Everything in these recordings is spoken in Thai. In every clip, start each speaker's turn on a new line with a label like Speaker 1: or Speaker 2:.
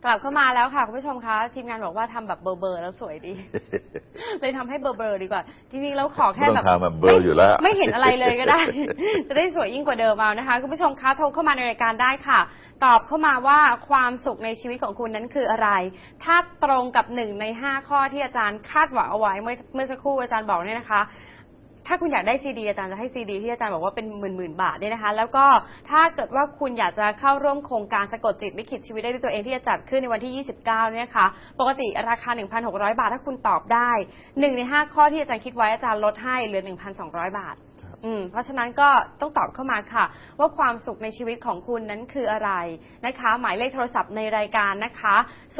Speaker 1: กลับเข้ามาแล้วค่ะคุณผู้ชมคะทีมงานบอกว่าทำแบบเบอร์แล้วสวยดี เลยทำให้เบอร์ดีกว่าจริงๆแล้วขอแค่แบบ
Speaker 2: เบอร์อยู่แล้ว
Speaker 1: ไม่เห็นอะไรเลยก็ได้ จะได้สวยยิ่งกว่าเดิมเอานะคะคุณผู้ชมคะโทรเข้ามาในรายการได้ค่ะตอบเข้ามาว่าความสุขในชีวิตของคุณนั้นคืออะไรถ้าตรงกับ1 ใน 5ข้อที่อาจารย์คาดหวังเอาไว้เมื่อสักครู่อาจารย์บอกเนี่ยนะคะถ้าคุณอยากได้ซีดีอาจารย์จะให้ซีดีที่อาจารย์บอกว่าเป็นหมื่นบาทเนี่ยนะคะแล้วก็ถ้าเกิดว่าคุณอยากจะเข้าร่วมโครงการสะกดจิตลิขิตชีวิตได้ด้วยตัวเองที่จะจัดขึ้นในวันที่29เนี่ยค่ะปกติราคา 1,600 บาทถ้าคุณตอบได้1 ใน 5ข้อที่อาจารย์คิดไว้อาจารย์ลดให้เหลือ 1,200 บาทเพราะฉะนั้นก็ต้องตอบเข้ามาค่ะว่าความสุขในชีวิตของคุณนั้นคืออะไรนะคะหมายเลขโทรศัพท์ในรายการนะคะ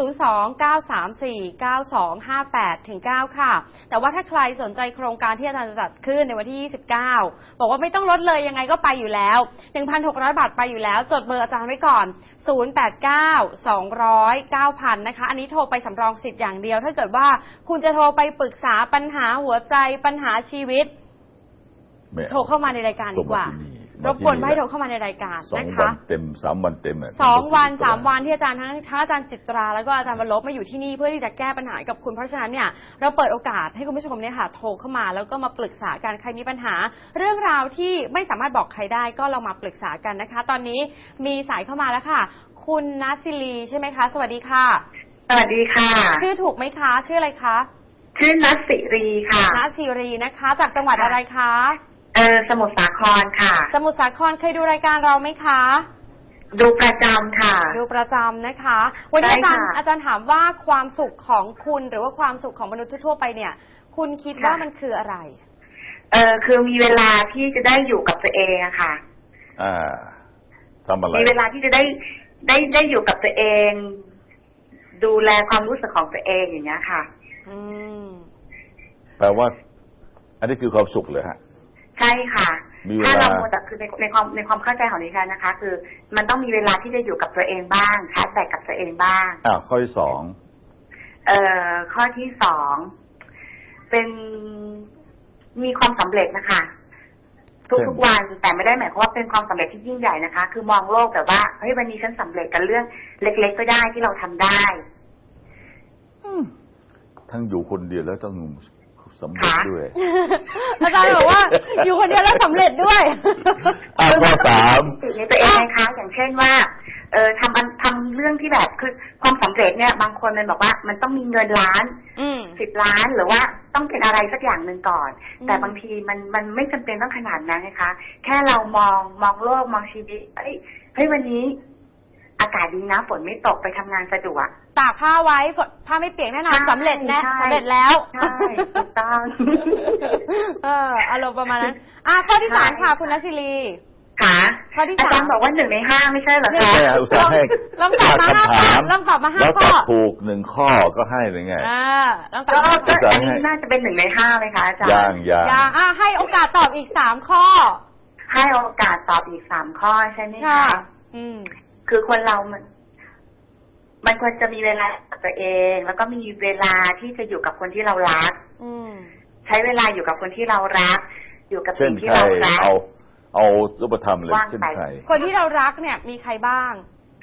Speaker 1: 029349258-9ค่ะแต่ว่าถ้าใครสนใจโครงการที่อาจารย์จะจัดขึ้นในวันที่29บอกว่าไม่ต้องลดเลยยังไงก็ไปอยู่แล้ว 1,600 บาทไปอยู่แล้วจดเบอร์อาจารย์ไว้ก่อน089-200-9000นะคะอันนี้โทรไปสำรองสิทธิ์อย่างเดียวถ้าเกิดว่าคุณจะโทรไปปรึกษาปัญหาหัวใจปัญหาชีวิตโทรเข้ามาในรายการดีกว่ารบกวนให้โทรเข้ามาในรายการนะคะ
Speaker 2: 2 วันเต็ม3 วันเต็ม
Speaker 1: 2 วัน 3 วันที่อาจารย์ทั้งอาจารย์จิตราแล้วก็อาจารย์วรบมาอยู่ที่นี่เพื่อที่จะแก้ปัญหากับคุณเพราะฉะนั้นเนี่ยเราเปิดโอกาสให้คุณผู้ชมเนี่ยค่ะโทรเข้ามาแล้วก็มาปรึกษากันใครมีปัญหาเรื่องราวที่ไม่สามารถบอกใครได้ก็เรามาปรึกษากันนะคะตอนนี้มีสายเข้ามาแล้วค่ะคุณนัสซิลีใช่ไหมคะสวัสดีค่ะ
Speaker 3: สวัสดีค่ะ
Speaker 1: ชื่อถูกไหมคะชื่ออะไรคะ
Speaker 3: ชื่อนัสสิรีค่ะ
Speaker 1: นัสสิรีนะคะจากจังหวัดอะไรคะ
Speaker 3: สมุทรสาครค่ะ
Speaker 1: สมุทรสาครเคยดูรายการเราไหมคะ
Speaker 3: ดูประจำค่ะ
Speaker 1: ดูประจำนะคะวันนี้อาจารย์ถามว่าความสุขของคุณหรือว่าความสุขของมนุษย์ทั่วไปเนี่ยคุณคิดว่ามันคืออะไร
Speaker 3: คือมีเวลาที่จะได้อยู่กับตัวเองอะค่ะ
Speaker 2: ทำอะไร
Speaker 3: มีเวลาที่จะได้อยู่กับตัวเองดูแลความรู้สึกของตัวเองอย่างเงี้ยค่ะ
Speaker 2: แปลว่าอันนี้คือความสุขเลยฮะ
Speaker 3: ใช่ค่ะถ้าเราโมแต่คือในความเข้าใจของดิฉันนะคะคือมันต้องมีเวลาที่จะอยู่กับตัวเองบ้างชาร์จแบตกับตัวเองบ้าง
Speaker 2: ข้อที่2
Speaker 3: ข้อที่2เป็นมีความสำเร็จนะคะทุกวันแต่ไม่ได้หมายความว่าเป็นความสำเร็จที่ยิ่งใหญ่นะคะคือมองโลกแบบว่าเฮ้ยวันนี้ฉันสำเร็จกับเรื่องเล็กๆก็ได้ที่เราทำได้
Speaker 2: ทั้งอยู่คนเดียวแล้วต้องสำเร็จด้วย
Speaker 1: อาจารย์บอกว่าอยู่คนเดียวแล้วสำเร็จด้วย
Speaker 2: ข้อ
Speaker 3: 3ในตัวเองนะคะอย่างเช่นว่าทำเรื่องที่แบบคือความสำเร็จเนี่ยบางคนมันบอกว่ามันต้องมีเงินล้าน10 ล้านหรือว่าต้องเป็นอะไรสักอย่างหนึ่งก่อนแต่บางทีมันไม่จำเป็นต้องขนาดนั้นนะคะแค่เรามองโลกมองชีวิตเฮ้ยวันนี้อากาศดีนะฝนไม่ตกไปทำงานสะดวก
Speaker 1: ตากผ้าไว้ผ้าไม่เปียกแน่นอนสำเร็จนะสำเร็จแล้ว
Speaker 3: ใช่ถูกต้อง
Speaker 1: อารมณ์ประมาณนั้นข้อที่3ค่ะคุณนัสซิลี
Speaker 3: ค่ะ
Speaker 1: ข้อที่3
Speaker 3: อาจารย์บอกว่า1 ใน 5ไม่ใช่เหรอคะ
Speaker 2: อุตส่าห์ให้
Speaker 1: ลองตอบมา5 ข้อลองตอบมา5 ข้อ
Speaker 2: ถูก1 ข้อก็ให้เลยไง
Speaker 1: ลองตอบ
Speaker 3: ก็อันนี้น่าจะเป็น1 ใน 5เลยค่ะอาจารย์
Speaker 2: ยัง
Speaker 1: ให้โอกาสตอบอีก3 ข้อ
Speaker 3: ให้โอกาสตอบอีก3 ข้อใช่ไหมคะคือคนเรามันควรจะมีเวลากับตัวเองแล้วก็มีเวลาที่จะอยู่กับคนที่เรารักใช้เวลาอยู่กับคนที่เรารักอยู่กับสิ่งที่เรารัก
Speaker 2: เอารูปธรรมเลยเช่นใคร
Speaker 1: คนที่เรารักเนี่ยมีใครบ้าง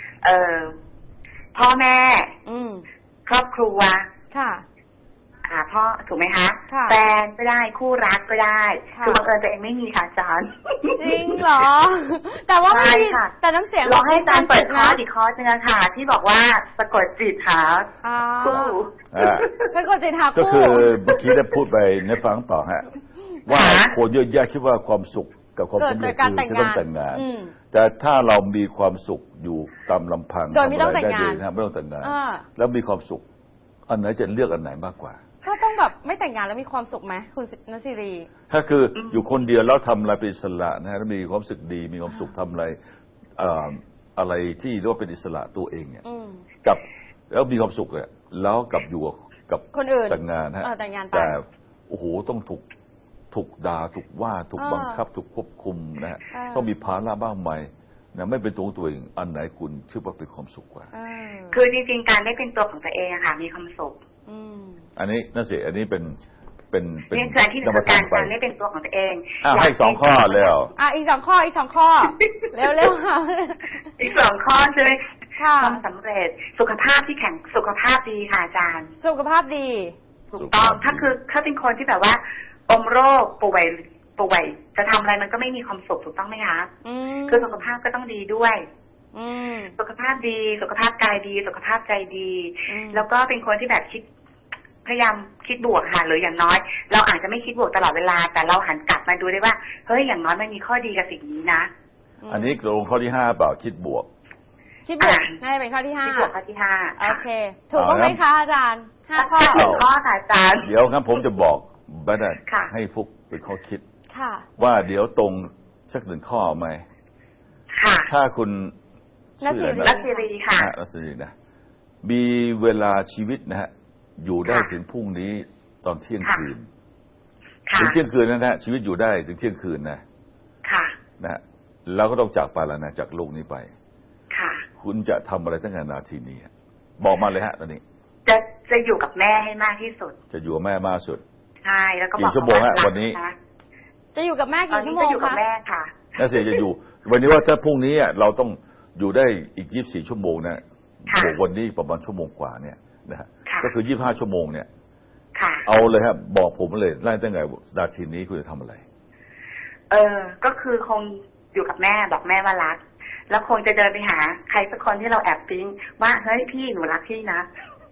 Speaker 3: พ่อแม่ครอบครัว
Speaker 1: ค่ะ
Speaker 3: พ่อถูกไหมคะแฟนก็ได้คู่รักก็ได้คือบังเอิญตัวเองไม่มีค่ะอาจารย์
Speaker 1: จริงเหรอแต่ว่าไม่แต่น้ำเสียง
Speaker 3: ลองให้อาจารย์เปิดคอร์สอีกคอร์สนึงค่ะที่บอกว่าสะกดจิตหาคู่
Speaker 1: สะกดจิตหาคู่
Speaker 2: ก็คือเมื่อกี้ได้พูดไปในฟังต่อฮะว่าคนเยอะแยะคิดว่าความสุขกับความสำเร็จคือต้องแต่งงานแต่ถ้าเรามีความสุขอยู่ตามลำพัง
Speaker 1: โดยไม่ต้องแต่งงาน
Speaker 2: ไม่ต้องแต่งงานแล้วมีความสุขอันไหนจะเลือกอันไหนมากกว่า
Speaker 1: ก็ต้องแบบไม่แต่งงานแล้วมีความสุขไหมคุณนัสซิรี
Speaker 2: ถ้าคืออยู่คนเดียวแล้วทำอะไรเป็นอิสระนะฮะแล้วมีความสุขดีมีความสุขทำอะไรอะไรที่เรียกว่าเป็นอิสระตัวเองเนี่ยกับแล้วมีความสุขเลยแล้วกับอยู่กับ
Speaker 1: คนอื่น
Speaker 2: แต่งงานฮะแต่โอ้โหต้องถูกด่าถูกว่าถูกบังคับถูกควบคุมนะฮะต้องมีภาระบ้างไหมนะไม่เป็นตัวเองอันไหนคุณคิดว่าเป็นความสุขกว่า
Speaker 3: คือจริงๆการได้เป็นตัวของตัวเองอะค่ะมีความสุข
Speaker 2: อันนี้นั่นสิอันนี้เป็น
Speaker 3: ที่การได้เป็นตัวของตัวเอง
Speaker 2: ให้2 ข้อแล้ว
Speaker 1: อีก2 ข้อเร็วค่ะ
Speaker 3: อีก2 ข้อใช่ไหมความสำเร็จสุขภาพที่แข็งสุขภาพดีค่ะอาจารย์
Speaker 1: สุขภาพดี
Speaker 3: ถูกต้องถ้าเป็นคนที่แบบว่าอมโรคป่วยจะทำอะไรมันก็ไม่มีความสุขถูกต้องไหมคะคือสุขภาพก็ต้องดีด้วยสุขภาพดีสุขภาพกายดีสุขภาพใจดีแล้วก็เป็นคนที่แบบพยายามคิดบวกค่ะหรืออย่างน้อยเราอาจจะไม่คิดบวกตลอดเวลาแต่เราหันกลับมาดูได้ว่าเฮ้ยอย่างน้อยมันมีข้อดีกับสิ่งนี้นะ
Speaker 2: อันนี้ลงข้อที่5เปล่าคิดบวก
Speaker 1: น่าจะเป็นข้อที่5
Speaker 3: คิดบวกข้อที่5
Speaker 1: โอเคถูกต้องไหมคะอาจารย์5 ข้อ
Speaker 3: ข้อค่ะอาจารย์
Speaker 2: เดี๋ยวครับผมจะบอกบัดนั้นให้ฟุกเป็นข้อคิดว่าเดี๋ยวตรงสัก1 ข้อไหมถ้าคุณ
Speaker 3: รัศรีค่ะ
Speaker 2: รัศรีนะมีเวลาชีวิตนะฮะอยู่ได้ถึงพรุ่งนี้ตอนเที่ยงคืนถึงเที่ยงคืนนะฮะชีวิตอยู่ได้ถึงเที่ยงคืนนะนะฮะเราก็ต้องจากไปแล้วนะจากโลกนี้ไปคุณจะทำอะไรตั้งแต่นาทีนี้บอกมาเลยฮะตอนนี้
Speaker 3: จะอยู่กับแม่ให้มากที่สุด
Speaker 2: จะอยู่กับแม่มากสุด
Speaker 3: ใช่แล้วก็บอก
Speaker 2: กี่ชั่วโมงฮะวันนี้
Speaker 1: จะอยู่กับแม่กี่ชั่วโมงคะ
Speaker 3: อยู่กับแม่ค่ะ
Speaker 2: น่าเสียจะอยู่วันนี้ว่าถ้าพรุ่งนี้เราต้องอยู่ได้อีก24 ชั่วโมงนะวันนี้ประมาณชั่วโมงกว่าเนี่ยนะฮะก็คือ25 ชั่วโมงเนี่ยเอาเลยครับบอกผมเลยไล่ตั้งแต่นาทีนี้คุณจะทำอะไร
Speaker 3: ก็คือคงอยู่กับแม่บอกแม่ว่ารักแล้วคงจะเดินไปหาใครสักคนที่เราแอบปิ๊งว่าเฮ้ยพี่หนูรักพี่นะ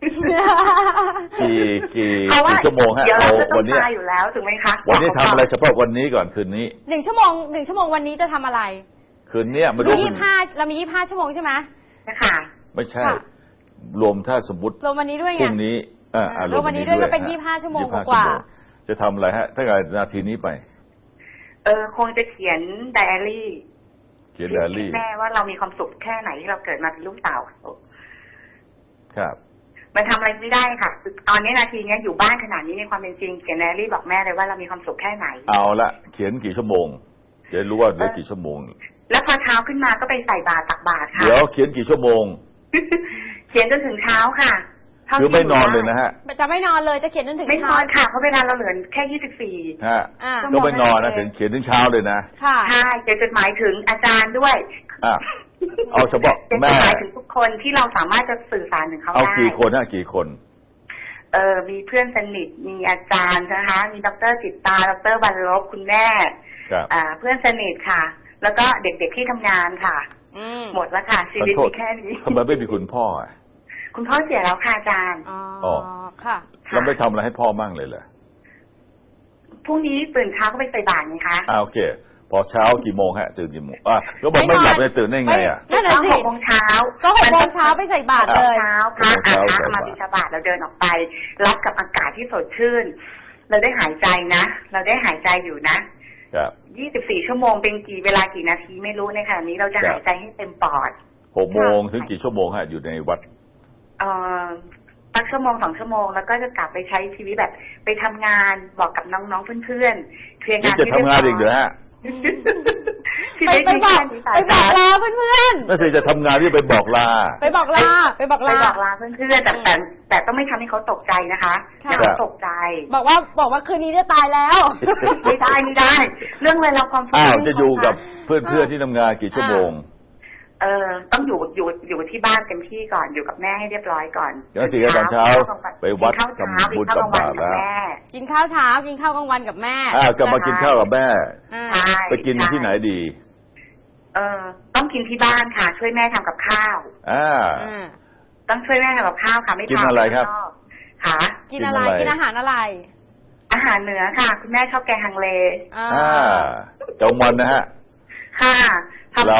Speaker 2: กี่ชั่วโมงฮะ
Speaker 3: เอาวันนี้อยู่แล้วถูกไหมคะ
Speaker 2: วันนี้ทำอะไรเฉพาะวันนี้ก่อนคืนนี้
Speaker 1: 1 ชั่วโมงวันนี้จะทำอะไร
Speaker 2: คืนนี้มาดู
Speaker 1: 25เรามี25 ชั่วโมงใช่ไหม
Speaker 3: นะคะ
Speaker 2: ไม่ใช่รวมถ้าสมมติ
Speaker 1: รวมวันนี้ด้วยไง
Speaker 2: พรุ่งนี้
Speaker 1: รวมวันนี้ด้วยก็เป็น25 ชั่วโมงกว่า
Speaker 2: จะทำอะไรฮะถ้าเกิดนาทีนี้ไป
Speaker 3: คงจะเขียนไดอารี่แม่ว่าเรามีความสุขแค่ไหนที่เราเกิดมาเป็นลูกสาว
Speaker 2: ครับ
Speaker 3: มันทำอะไรไม่ได้ค่ะตอนนี้นาทีนี้อยู่บ้านขนาดนี้ในความเป็นจริงเขียนไดอารี่บอกแม่เลยว่าเรามีความสุขแค่ไหน
Speaker 2: เอาละเขียนกี่ชั่วโมงจะรู้ว่าเหลือกี่ชั่วโมง
Speaker 3: แล้วพอเช้าขึ้นมาก็ไปใส่บาตรตักบาตรค่ะ
Speaker 2: เดี๋ยวเขียนกี่ชั่วโมง
Speaker 3: เขียนจนถึงเช้าค่ะ
Speaker 2: คือไม่นอนเลยนะฮะ
Speaker 1: จะไม่นอนเลยจะเขียนจนถึง
Speaker 3: ไม่นอนค่ะเพราะเวลาเราเหลือแค่24
Speaker 2: ฮะก็ไม่นอนนะถึงเขียนถึงเช้าเลยนะ
Speaker 3: ใช่เขียนจดหมายถึงอาจารย์ด้วย
Speaker 2: เอาเฉพาะแม่
Speaker 3: จดหมายถึงทุกคนที่เราสามารถจะสื่อสารถึงเขาได้
Speaker 2: เอากี่คนฮะกี่คน
Speaker 3: มีเพื่อนสนิทมีอาจารย์นะคะมีดร.จิตตาดร.บรรลบคุณแม่เพื่อนสนิทค่ะแล้วก็เด็กๆที่ทำงานค่ะหมดแล้วค่ะชีวิตมีแค่นี้
Speaker 2: ทำไมไม่มีคุณพ่อ
Speaker 3: คุณพ่อเสียแล้วค่ะอาจารย์
Speaker 1: อ๋อค่ะ
Speaker 2: เราไม่ทำอะไรให้พ่อมั่งเลยเหรอ
Speaker 3: พรุ่งนี้ตื่นเช้าก็ไปใส่บาตรไงคะ
Speaker 2: โอเคพอเช้ากี่โมงฮะตื่นกี่โมงก็บอกไม่หลับเลยตื่นได้ไง
Speaker 3: นั่นแหละ6 โมงเช้า
Speaker 1: ก็6 โมงเช้าไปใส่บาตรเลย
Speaker 3: เช้าพระมาบิณฑบาตเราเดินออกไปรับกับอากาศที่สดชื่นเราได้หายใจนะเราได้หายใจอยู่นะ24 ชั่วโมงเป็นเวลากี่นาทีไม่รู้ในขณะนี้เราจะหายใจให้เต็มปอด
Speaker 2: 6 โมงถึงกี่ชั่วโมงฮะอยู่ในวัด
Speaker 3: สัก1 ชั่วโมง 2 ชั่วโมงแล้วก็จะกลับไปใช้ชีวิตแบบไปทำงานบอกกับน้องๆเพื่อนๆเคลียร์งาน
Speaker 2: ที่จะทำงานอีกเหรอฮะ
Speaker 1: ไปบอกลาเพื่อน
Speaker 2: ๆน่าจะทำงานที่ไปบอกลา
Speaker 1: ไปบอกลา
Speaker 3: เพื่อนๆแต่ต้องไม่ทำให้เขาตกใจนะคะอย่าเขาตกใจ
Speaker 1: บอกว่าคืนนี้จะตายแล้ว
Speaker 3: ไม่ได้เรื่องเวลาความสุข
Speaker 2: จะอยู่กับเพื่อนๆที่ทำงานกี่ชั่วโมง
Speaker 3: ต้องอยู่ที่บ้านเต็มที่ก่อนอยู่กับแม่ให้เรียบร้อยก่อน
Speaker 2: เดี๋ยว4 ตอนเช้าไปวัดทำบุญตักบาตรแล้ว
Speaker 1: กินข้าวเช้ากินข้าวกลางวันกับแม่
Speaker 2: กลับมากินข้าวกับแม่ไปกินที่ไหนดี
Speaker 3: ต้องกินที่บ้านค่ะช่วยแม่ทำกับข้าวต้องช่วยแม่ทำกับข้าวค่ะไม่ทำ
Speaker 2: กินอะไรครับ
Speaker 3: ค่ะ
Speaker 1: กินอะไรกินอาหารอะไร
Speaker 3: อาหารเหนือค่ะคุณแม่ชอบแกงฮังเล
Speaker 2: จงวันนะฮะ
Speaker 3: ค่ะทำ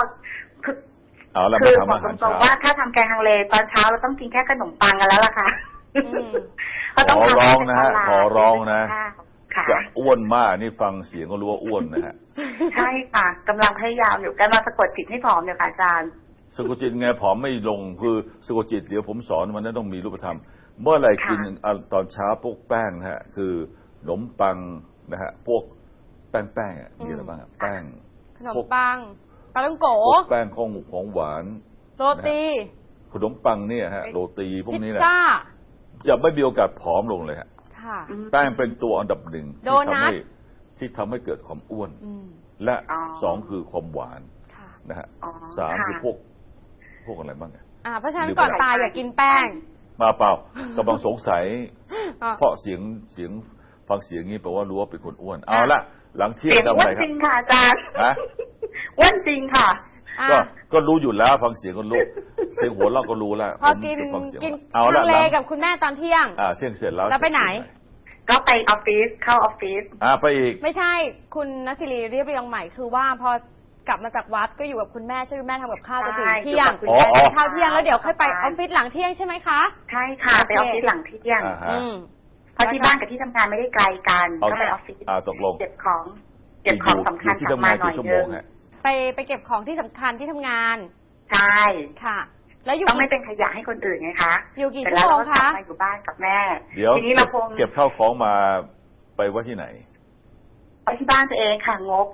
Speaker 2: คือบอก
Speaker 3: ตรงๆว่าถ้าทำแกงฮังเลตอนเช้าเราต้องกินแค่ขนมปังกันแล้วล่ะค่ะ
Speaker 2: ขอร้องนะฮะขอร้องนะจะอ้วนมากนี่ฟังเสียงก็รู้ว่าอ้วนนะฮะ
Speaker 3: ใช่ค่ะกำลังพยายามอยู่กันมาสะกดจิตให้ผอมอยู่ค่ะอาจารย์
Speaker 2: สะกดจิตไงผอมไม่ลงคือสะกดจิตเดี๋ยวผมสอนมันนั้นต้องมีรูปธรรมเมื่อไหร่กินตอนเช้าพวกแป้งนะฮะคือขนมปังนะฮะพวกแป้งมีอะไรบ้างแป้ง
Speaker 1: ขนมปังปลาท่องโก
Speaker 2: แป้งของหวาน
Speaker 1: โรตี
Speaker 2: ขนมปังเนี่ยฮะโรตีพวกนี้แหละจะไม่มีโอกาสผอมลงเลยฮะแป้งเป็นตัวอันดับหนึ่งที่ทำให้เกิดความอ้วนและ2คือความหวานนะฮะ3คือพวกพวกอะไรบ้างไง
Speaker 1: เพราะฉะนั้นก่อนตายอย่ากินแป้ง
Speaker 2: มาเปล่ากำลังสงสัยเพราะเสียงฟังเสียงนี้แปลว่ารู้ว่าเป็นคนอ้วนเอาละหลังเที่ยงทำอะไรครับ
Speaker 3: จริงค่ะอาจารย์อ้วนจริงค่ะ
Speaker 2: ก็รู้อยู่แล้วฟังเสียงก็รู้เสียงหัวเราก็รู้แล้ว
Speaker 1: พอกินทะเลกับคุณแม่ตอนเที่ยง
Speaker 2: เที่ยงเสร็จแล้ว
Speaker 1: ไปไหน
Speaker 3: ก็ไปออฟฟิศเข้าออฟฟิศ
Speaker 2: ไปอีก
Speaker 1: ไม่ใช่คุณณศิริเรียบเรียงใหม่คือว่าพอกลับมาจากวัดก็อยู่กับคุณแม่ช่วยคุณแม่ทำกับข้าวจนถึงเที่ยงข้าวเที่ยงแล้วเดี๋ยวค่อยไปออฟฟิศหลังเที่ยงใช่ไหมคะ
Speaker 3: ใช่ค่ะไปออฟฟิศหลังเที่ยงเพราะที่บ้านกับที่ทำงานไม่ได้ไกลกันก็ไปออฟฟิศ
Speaker 2: ตกลง
Speaker 3: เก็บของสำคัญกลับมาหน่อยนึง
Speaker 1: ไปเก็บของที่สำคัญที่ทำงาน
Speaker 3: ใช่
Speaker 1: ค่ะแล้วอยู่
Speaker 3: ต้องไม่เป็นขยะให้คนอื่นไงคะ
Speaker 1: อยู่กี่ชั่วโมงคะ
Speaker 3: มาอยู่บ้านกับแม่
Speaker 2: เดี๋ยว
Speaker 3: ทีนี้เราคง
Speaker 2: เก็บข้าวของมาไปไว้ที่ไหน
Speaker 3: ไปที่บ้านตัวเองค่ะงก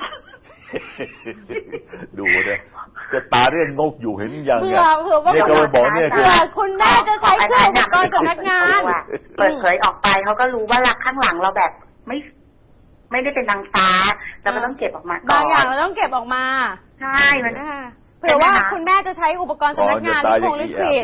Speaker 2: ดูเนี่ยจะตาเรื่องงกอยู่เห็นยัง
Speaker 1: เนี่ยก็ไปบอกเนี่ยคือคุณแม่จะใช้เครื่องอุปกรณ์สำนักงาน
Speaker 3: เปิดเผยออกไปเขาก็รู้ว่าหลักข้างหลังเราแบบไม่ได้เป็นนางฟ้าเราก็ต้องเก็บออกมา
Speaker 1: บางอย่างเราต้องเก็บออกมา
Speaker 3: ใช่มัน
Speaker 1: เผื่อว่าคุณแม่จะใช้อุปกรณ์สำนักงานที่คงลิควิด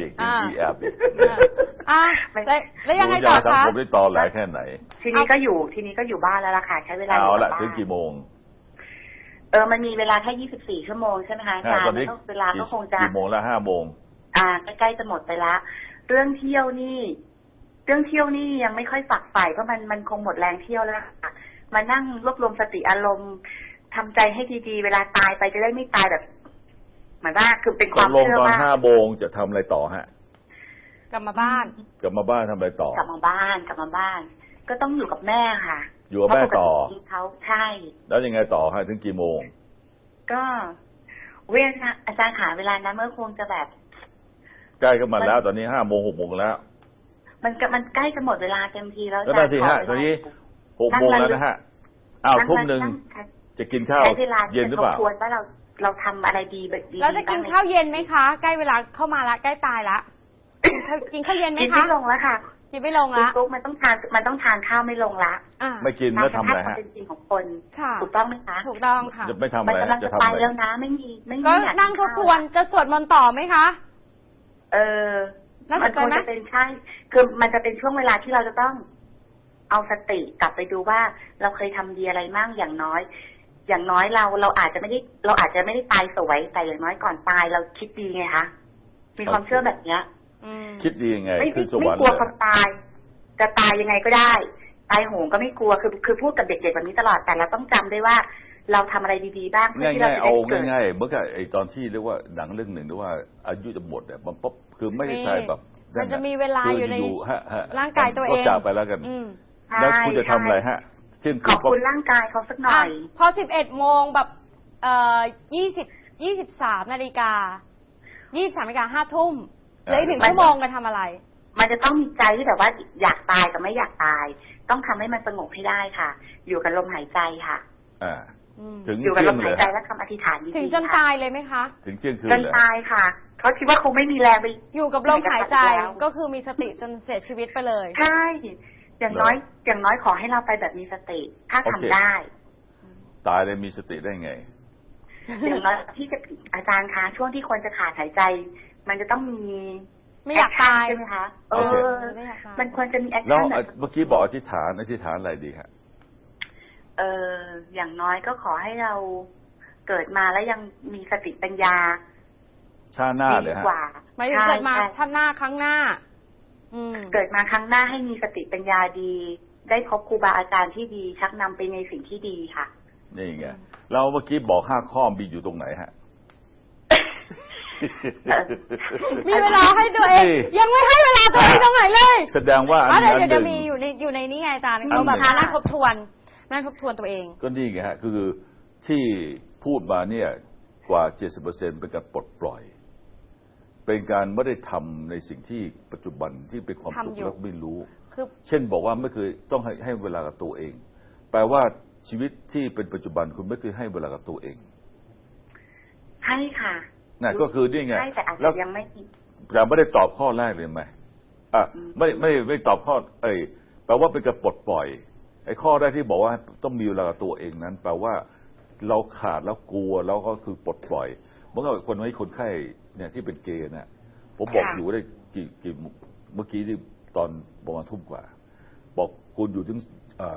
Speaker 1: แล้วยังไงต่อคะ
Speaker 2: ผมได้ต่อหลายแค่ไหน
Speaker 3: ทีนี้ก็อยู่บ้านแล้วล่ะค่ะใช้เวลา
Speaker 2: เอาละถึงกี่โมง
Speaker 3: มันมีเวลาแค่24 ชั่วโมงใช่ไหมคะอาจารย์เวลาก็คงจะ
Speaker 2: กี่โมงละ5 โมง
Speaker 3: ใกล้ๆจะหมดไปละเรื่องเที่ยวนี่ยังไม่ค่อยฝักใฝ่เพราะมันคงหมดแรงเที่ยวแล้วค่ะมานั่งรวบรวมสติอารมณ์ทำใจให้ดีๆเวลาตายไปจะได้ไม่ตายแบบหมายว่าคือเป็นความเชื่อว่า
Speaker 2: ตอน5 โมงจะทำอะไรต่อฮะ
Speaker 1: กลับมาบ้าน
Speaker 2: ทำอะไรต่อก
Speaker 3: ลับมาบ้านก็ต้องอยู่กับแม่ค่ะ
Speaker 2: อยู่กับแม่ต่อ
Speaker 3: เขาใช่
Speaker 2: แล้วยังไงต่อฮะถึงกี่โมง
Speaker 3: ก็อาจารย์ขาเวลานั้นเมื่อคงจะแบบ
Speaker 2: ใกล้กันมาแล้วตอนนี้5 โมง 6 โมงแล้ว
Speaker 3: มันใกล้จะหมดเวลาเต็มทีแล้ว
Speaker 2: อาจารย์สิฮะตอนนี้6 โมงแล้วนะฮะทุ่มนึงจะกินข้าวเย็นหรือเปล่า
Speaker 3: ควรว่าเราทำอะไรดีแบบดี
Speaker 1: เราจะกินข้าวเย็นไหมคะใกล้เวลาเข้ามาละใกล้ตายละกินข้าวเย็นไหมคะ
Speaker 3: กินไม่ลงแล้วค่ะ
Speaker 1: กินไม่ลงละ
Speaker 3: มันต้องทานข้าวไม่ลงละ
Speaker 2: ไม่กินแล้วทำอะไรฮะ
Speaker 3: เป็นจริงของคนถูกต้องไหมคะ
Speaker 1: ถูกต้องค่ะ
Speaker 2: จะไม่ทำอะไร
Speaker 3: จะทำอะไรแล้วนะไม่มี
Speaker 1: ก็นั่งทบทวนจะสวดมนต์ต่อไหมคะ
Speaker 3: มันควรจะเป็นใช่คือมันจะเป็นช่วงเวลาที่เราจะต้องเอาสติกลับไปดูว่าเราเคยทำดีอะไรมั่งอย่างน้อยเราอาจจะไม่ได้ตายสวยแต่อย่างน้อยก่อนตายเราคิดดีไงคะมีความเชื่อแบบเนี้ย
Speaker 2: คิดดียังไง
Speaker 3: คือไม่กลัวความตายจะตายยังไงก็ได้ตายโหงก็ไม่กลัวคือพูดกับเด็กๆแบบนี้ตลอดแต่เราต้องจำได้ว่าเราทำอะไรดีๆบ้างเพื่อที่เราจะได้เกิด
Speaker 2: ง่ายๆเมื่อกี้ไอตอนที่เรียกว่าหนังเรื่องหนึ่งหรือว่าอายุจะหมดเนี่ยมันปุ๊บคือไม่ได้ใช่แบบ
Speaker 1: มันจะมีเวลาอยู่ในร่างกายตัวเอง
Speaker 2: ก็จากไปแล้วกันแล้วคุณจะทำอะไรฮะ
Speaker 3: ขอบคุณร่างกายเขาสักหน่อย
Speaker 1: พอ11 โมงแบบ23 นาฬิกา5 ทุ่มเหลืออีก1 ชั่วโมงกันทำอะไร
Speaker 3: มันจะต้องมีใจที่แบบว่าอยากตายกับไม่อยากตายต้องทำให้มันสงบให้ได้ค่ะอยู่กับลมหายใจค่ะอยู่กับลมหายใจและคำอธิษฐานดีๆ
Speaker 1: ถึงจนตายเลยไหมคะ
Speaker 2: ถึงเที่ยงคืน
Speaker 3: จนตายค่ะเขาคิดว่าคงไม่มีแรงไป
Speaker 1: อยู่กับลมหายใจก็คือมีสติจนเสียชีวิตไปเลย
Speaker 3: ใช่อย่างน้อยขอให้เราไปแบบมีสติถ้าทำได้
Speaker 2: ตายเลยมีสติได้ไง
Speaker 3: อย่างน้อยที่จะอาจารย์คะช่วงที่คนจะขาดหายใจมันจะต้องมี
Speaker 1: ไม่อยากตาย
Speaker 3: ใช่ไหมคะมันควรจะมีแอคชั่น
Speaker 2: แล้วเมื่อกี้บอกอธิษฐานอะไรดีครับ
Speaker 3: อย่างน้อยก็ขอให้เราเกิดมาแล้วยังมีสติปัญญา
Speaker 2: ชาติหน้าเลยฮะ
Speaker 1: ไม่เกิดมาชาติหน้าครั้งหน้า
Speaker 3: เกิดมาครั้งหน้าให้มีสติปัญญาดีได้พบครูบาอาจารย์ที่ดีชักนำไปในสิ่งที่ดีค่ะ
Speaker 2: นี่ไงเราเมื่อกี้บอก5 ข้อมีอยู่ตรงไหนฮะ
Speaker 1: มีเวลาให้ตัวเองยังไม่ให้เวลาตัวเองตรงไหนเลย
Speaker 2: แสดงว่า
Speaker 1: เดี๋ยวจะมีอยู่ในนี้ไงอาจารย์เขาแบบนั่งทบทวนตัวเอง
Speaker 2: ก็นี่ไงฮะคือที่พูดมาเนี่ยกว่า 70% เป็นการปลดปล่อยเป็นการไม่ได้ทำในสิ่งที่ปัจจุบันที่เป็นความสุขแล้วไม่รู้เช่นบอกว่าไม่เคยต้องให้เวลากับตัวเองแปลว่าชีวิตที่เป็นปัจจุบันคุณไม่เคยให้เวลากับตัวเอง
Speaker 3: ใช่ค่ะ
Speaker 2: นั่นก็คือนี่ไง
Speaker 3: แล้วยังไม่
Speaker 2: ได้ตอบข้อแรกเลยไหมไม่ตอบข้อแปลว่าเป็นการปลดปล่อยไอ้ข้อแรกที่บอกว่าต้องมีเวลากับตัวเองนั้นแปลว่าเราขาดแล้วกลัวแล้วก็คือปลดปล่อยเมื่อคนให้คนไข้เนี่ยที่เป็นเกย์เนี่ยผมบอกอยู่ได้กี่เมื่อกี้ที่ตอนประมาณทุ่มกว่าบอกคุณอยู่ถึง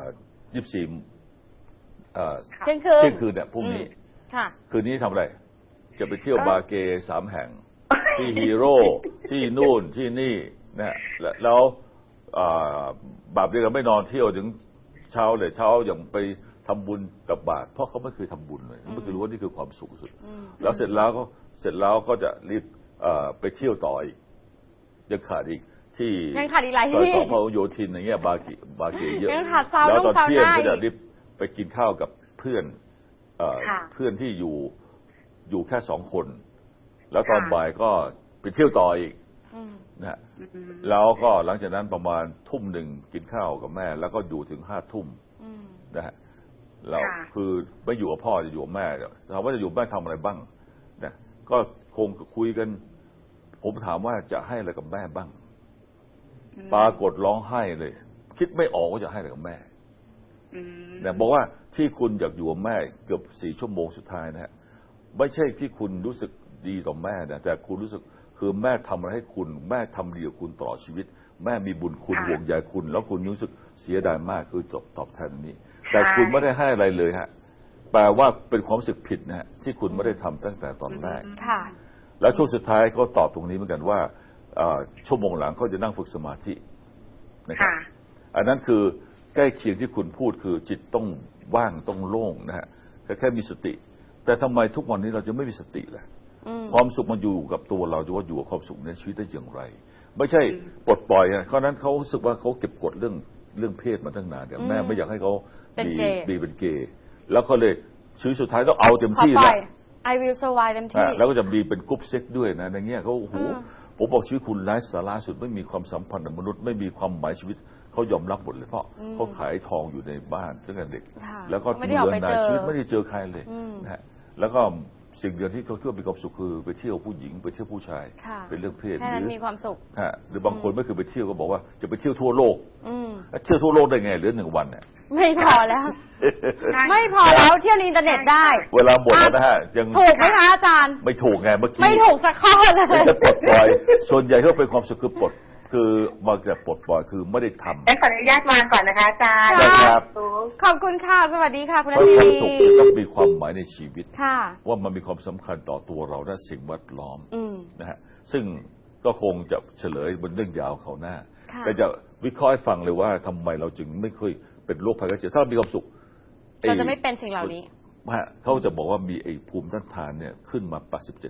Speaker 2: 24
Speaker 1: เที่ยงคืน
Speaker 2: เนี่ยพรุ่งนี้
Speaker 1: ค่ะ
Speaker 2: คืนนี้ทำอะไรจะไปเที่ยวบาร์เกย์3 แห่งที่ฮีโร่ที่นู่นที่นี่นะแล้วแบบนี้เราไม่นอนเที่ยวถึงเช้าเลยเช้าอย่างไปทำบุญกับบาตรเพราะเขาไม่เคยทำบุญเลยไม่เคยรู้ว่านี่คือความสุขสุดแล้วเสร็จแล้วก็จะรีบไปเที่ยวต่ออีกยังขาดอีกที่ซอยของพหลโยธินอย่างเงี้ยบาร์เกย์เยอะแล้วตอนเที่ยงก็จะรีบไปกินข้าวกับเพื่อนที่อยู่แค่2 คนแล้วตอนบ่ายก็ไปเที่ยวต่ออีกนะแล้วก็หลังจากนั้นประมาณทุ่มหนึ่งกินข้าวกับแม่แล้วก็อยู่ถึง5 ทุ่มนะฮะเราคือไม่อยู่กับพ่อจะอยู่กับแม่ถามว่าจะอยู่แม่ทำอะไรบ้างนะก็คงคุยกันผมถามว่าจะให้อะไรกับแม่บ้างปรากฏร้องไห้เลยคิดไม่ออกว่าจะให้อะไรกับแม่เนี่ยบอกว่าที่คุณอยากอยู่กับแม่เกือบ4 ชั่วโมงสุดท้ายนะฮะไม่ใช่ที่คุณรู้สึกดีต่อแม่นะแต่คุณรู้สึกคือแม่ทำอะไรให้คุณแม่ทำดีกับคุณตลอดชีวิตแม่มีบุญคุณห่วงใยคุณแล้วคุณรู้สึกเสียดายมากคือตอบแทนนี้แต่คุณไม่ได้ให้อะไรเลยฮะแปลว่าเป็นความรู้สึกผิดนะฮะที่คุณไม่ได้ทำตั้งแต่ตอนแรกแล้วช่วงสุดท้ายก็ตอบตรงนี้เหมือนกันว่าชั่วโมงหลังเขาจะนั่งฝึกสมาธินะครับอันนั้นคือใกล้เคียงที่คุณพูดคือจิตต้องว่างต้องโล่งนะฮะแค่มีสติแต่ทำไมทุกวันนี้เราจะไม่มีสติล่ะความสุขมันอยู่กับตัวเราดูว่าอยู่กับความสุขในชีวิตได้อย่างไรไม่ใช่ปลดปล่อยเพราะนั้นเขารู้สึกว่าเขาเก็บกดเรื่องเพศมาตั้งนานแม่ไม่อยากให้เขาเป็นเกย์แล้วเขาเลยชีวิตสุดท้ายต้องเอาเต็มที่แล้ว
Speaker 1: I will survive เต็มที่
Speaker 2: แล้วก็จะมีเป็นกรุ๊ปเซ็กด้วยนะในเงี้ยเขาโอ้โหผมบอกชีวิตคุณไร้สาระสุดไม่มีความสัมพันธ์กับมนุษย์ไม่มีความหมายชีวิตเขายอมรับหมดเลยเพราะเขาขายทองอยู่ในบ้านตั้งแต่เด็กแล้วก็เดือนนายชีวิตไม่ได้เจอใครเลยนะฮะแล้วก็สิ่งเดียวที่เขาคิดว่ามีความสุขคือไปเที่ยวผู้หญิงไปเที่ยวผู้ชายเป็นเรื่องเพศหรือ
Speaker 1: มีความสุข
Speaker 2: หรือบางคนไม่เคยไปเที่ยวก็บอกว่าจะไปเที่ยวทั่วโลกเที่ยวทั่วโลกได้ไงเหลือ1 วันเนี่ย
Speaker 1: ไม่พอแล้วไม่พอแล้วเที่ยวในอินเทอร์เน็ตได้
Speaker 2: เวลาหมดแล้วนะฮะยัง
Speaker 1: ถูกไหมคะอาจารย์
Speaker 2: ไม่ถูกไงเมื่อกี้
Speaker 1: ไม่ถูกสักข้อเลย
Speaker 2: จะปลดปล่อยส่วนใหญ่ก็เป็นความสุขคือปลดคือมาจากปลดปล่อยคือไม่ได้ทำ
Speaker 3: ขออนุญาตวางก่อนนะคะอาจารย์
Speaker 2: ครับ
Speaker 1: ขอบคุณค่ะสวัสดีค่ะคุณ
Speaker 2: อาจารย์ความสุขต้องมีความหมายในชีวิตว่ามันมีความสำคัญต่อตัวเราและสิ่งแวดล้อมนะฮะซึ่งก็คงจะเฉลยบนเรื่องยาวเขาหน้าแต่จะวิเคราะห์ให้ฟังเลยว่าทำไมเราจึงไม่เคยเป็นโรคภัยไข้เจ็บถ้าเรามีความสุข
Speaker 1: เราจะไม่เป็นสิ่งเหล่านี้
Speaker 2: เขาจะบอกว่ามีไอ้ภูมิต้านทานเนี่ยขึ้นมา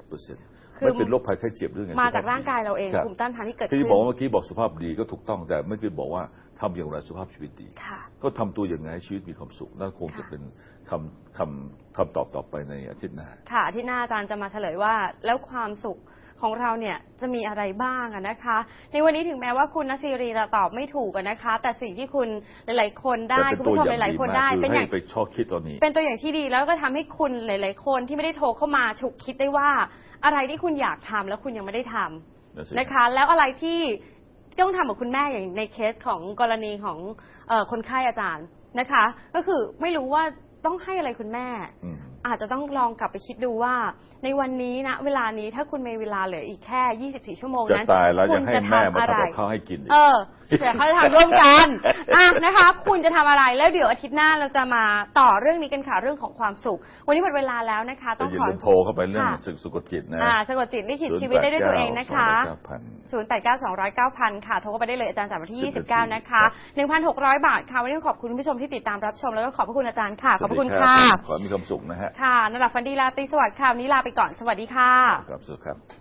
Speaker 2: 87%ไม่เป็นโรคภัยไข้เจ็บเรื่องไง
Speaker 1: มาจากร่างกายเราเองภูมิต้านทานที่เกิดขึ้น
Speaker 2: ที่บอกเมื่อกี้บอกสุขภาพดีก็ถูกต้องแต่ไม่คือบอกว่าทำอย่างไรสุขภาพชีวิตดีก็ทำตัวอย่างไรชีวิตมีความสุขนั่นคงจะเป็นคำตอบต่อไปในอาทิตย์หน้า
Speaker 1: ค่ะอาทิตย์หน้าอาจารย์จะมาเฉลยว่าแล้วความสุขของเราเนี่ยจะมีอะไรบ้างนะคะในวันนี้ถึงแม้ว่าคุณณศิรีจะตอบไม่ถูกนะคะแต่สิ่งที่คุณหลายๆคนได้คุณผู้ชมหลายๆคนได้
Speaker 2: เป็นอย่างไปชอบคิดตอนนี้
Speaker 1: เป็นตัวอย่างที่ดีแล้วก็ทำให้คุณหลายๆคนที่ไม่ได้โทรเข้ามาฉุกคิดได้ว่าอะไรที่คุณอยากทำแล้วคุณยังไม่ได้ทำนะคะแล้วอะไรที่ต้องทำกับคุณแม่อย่างในเคสของกรณีของคนไข้อาจารย์นะคะก็คือไม่รู้ว่าต้องให้อะไรคุณแม่อาจจะต้องลองกลับไปคิดดูว่าในวันนี้นะเวลานี้ถ้าคุณมีเวลาเหลืออีกแค่24 ชั่วโมงนั้น
Speaker 2: คุณจะทำอะไรข้าวให้กิน
Speaker 1: เดี๋ยวเขาจะทำร่วมกันนะคะคุณจะทำอะไรแล้วเดี๋ยวอาทิตย์หน้าเราจะมาต่อเรื่องนี้กันค่ะเรื่องของความสุขวันนี้หมดเวลาแล้วนะคะ
Speaker 2: ต้องขอโทรเข้าไปเรื่องสะกดจิตนะ
Speaker 1: สะกดจิตลิขิตชีวิตได้ด้วยตัวเองนะคะ0892009000ค่ะโทรเข้าไปได้เลยอาจารย์จากวันที่29นะคะ 1,600 บาทค่ะวันนี้ขอบคุณผู้ชมที่ติดตามรับชมแล้วก็ขอบพระคุณอาจารย์ค่ะขอบคุณค่ะ
Speaker 2: ขอมีความสุขนะฮะ
Speaker 1: ค่ะนรับฟันดีลาตรีสวัสดิ์ค่ะวันนี้ลาไปก่อนสวัสดีค่ะ
Speaker 2: ครับสวัสดีครับ